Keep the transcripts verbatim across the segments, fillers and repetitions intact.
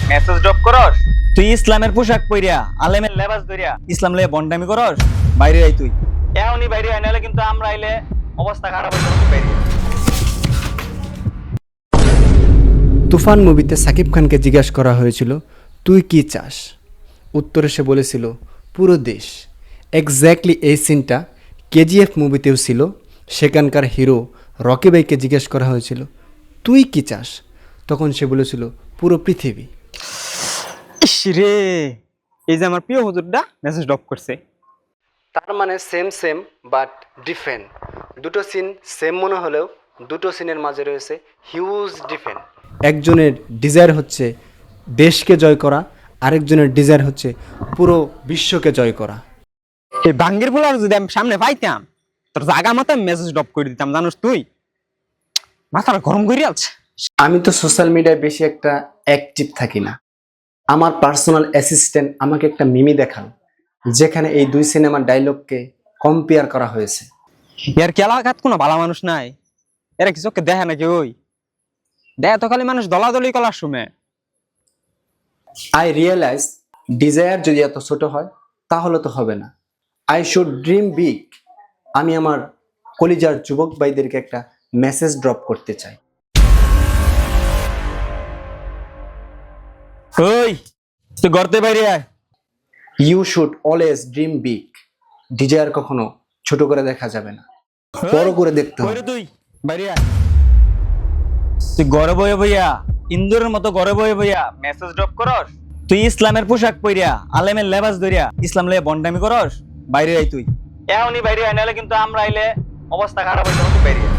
Message drop করস? তুই ইসলামের পোশাক পইরা আলেমের লেবাস ধরিয়া ইসলাম লয়ে বন্ডামি করস? বাইরে আই তুই। এখনই বাইরে আই, নাহলে কিন্তু আমরা আইলে অবস্থা খারাপ হয়ে যাবে। বাইরে আই। তুফান মুভিতে সাকিব খানকে জিজ্ঞাসা করা হয়েছিল তুই কি চাস, উত্তরে সে বলেছিল পুরো দেশ। এক্স্যাক্টলি এই সিনটা কেজিএফ মুভিতেও ছিল। সেখানকার হিরো রকি ভাইকে জিজ্ঞেস করা হয়েছিল তুই কি চাস, তখন সে বলেছিল পুরো পৃথিবী। ইস রে, এই যে আমার প্রিয় হুজুরটা মেসেজ ড্রপ করছে। তার মানে সেম সেম বাট ডিফারেন্ট। দুটো সিন সেম মনে হলেও দুটো সিনের মাঝে রয়েছে হিউজ ডিফারেন্ট। একজনের ডিজায়ার হচ্ছে দেশকে জয় করা, আরেকজনের ডিজায়ার হচ্ছে পুরো বিশ্বকে জয় করা। এই বাঙ্গের বলার যদি আমি সামনে পাইতাম, তোর জাগা মাথায় মেসেজ ড্রপ করে দিতাম, জানোস তুই? মাথাটা গরম করে আছে। আমি তো সোশ্যাল মিডিয়ায় বেশি একটা অ্যাক্টিভ থাকি না। আমার পার্সোনাল অ্যাসিস্ট্যান্ট আমাকে একটা মিমি দেখান যেখানে এই দুই সিনেমার ডায়লগকে কম্পেয়ার করা হয়েছে। এর কেলাঘাত কোনো ভালো মানুষ নাই, এরা কিছু দেখে নাকি? ওই দেয় তো খালি মানুষ দলাদলি কলার শুনে। আই রিয়েলাইজ ডিজায়ার যদি এত ছোট হয় তাহলে তো হবে না। I should dream big. আমি আমার কলিজার যুবক ভাইদেরকে একটা মেসেজ ড্রপ করতে চাই। ওই তুই গর্তে বাইরে আয়। You should always dream big. Desire কখনো ছোট করে দেখা যাবে না, বড় করে দেখতে হবে। কইরে তুই বাইরে আয়। তুই ঘরে বয়ে বইয়া ইন্দুরের মতো ঘরে বয়ে বইয়া মেসেজ ড্রপ করস? তুই ইসলামের পোশাক পইরা আলেমের লেবাস ধরিয়া ইসলাম লয়ে বন্ডামি করস? বাইরে আই তুই। এখনই বাইরে আই, নাহলে কিন্তু আমরা আইলে অবস্থা খারাপ হয়ে যাবে। বাইরে আই।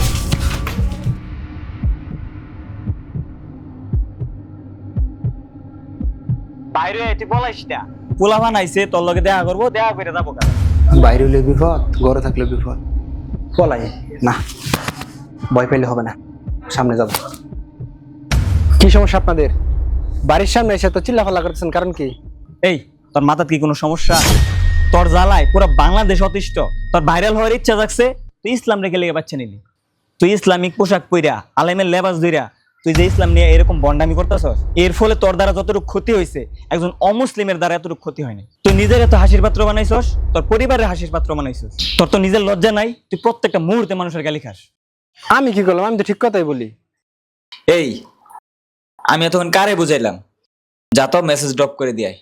বাইরে আই, তুই বলাইস না। পোলাভান আইছে, তোর লগে দেখা করবো, দেখা করে যাবো কারণ। বাইরে হলে বিপদ, ঘরে থাকলে বিপদ। পলাই না, ভয় পেলে হবে না, সামনে যাব। কি সমস্যা আপনাদের? বাড়ির সামনে এসে তো চিল্লাফাল্লা করতেছেন, কারণ কি? এই তোর মাথার কি কোনো সমস্যা? তোর জ্বালায় পুরো বাংলাদেশ অতিষ্ঠ। তোর ভাইরাল হওয়ার ইচ্ছা জাগছে, তুই ইসলাম রেখে লেগে বাচ্চা নিলি। তুই ইসলামিক পোশাক পইরা আলেমের লেবাস ধইরা তুই যে ইসলাম নিয়ে এরকম বন্ডামি করতেছস, এর ফলে তোর দ্বারা যতটুকু ক্ষতি হয়েছে একজন অমুসলিমের দ্বারা এতটুকু ক্ষতি হয়নি। তুই নিজের এত হাসির পাত্র বানাইছস, তোর পরিবারের হাসির পাত্র বানাইছস। তোর তো নিজের লজ্জা নাই, তুই প্রত্যেকটা মুহূর্তে মানুষের গালি খাস। আমি কি করলাম? আমি তো ঠিক কথাই বলি। এই আমি এতক্ষণ কারে বুঝাইলাম? যা তো মেসেজ ড্রপ করে দিয়াই।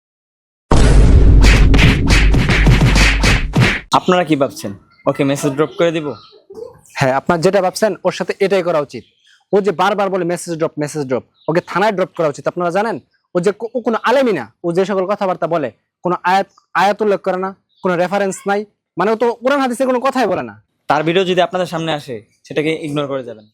আপনারা কি ভাবছেন ওকে মেসেজ ড্রপ করে দিব? হ্যাঁ, আপনার যেটা ভাবছেন ওর সাথে এটাই করা উচিত। ও যে বারবার বলে মেসেজ ড্রপ মেসেজ ড্রপ, ওকে থানায় ড্রপ করা উচিত। আপনারা জানেন ও যে ও কোনো আলেমই না। ও যে সকল কথাবার্তা বলে কোনো আয়াত আয়াত উল্লেখ করে না, কোনো রেফারেন্স নাই, মানে ও তো কোরআন হাদিসের কোনো কথাই বলে না। তার ভিডিও যদি আপনাদের সামনে আসে সেটাকে ইগনোর করে যাবেন।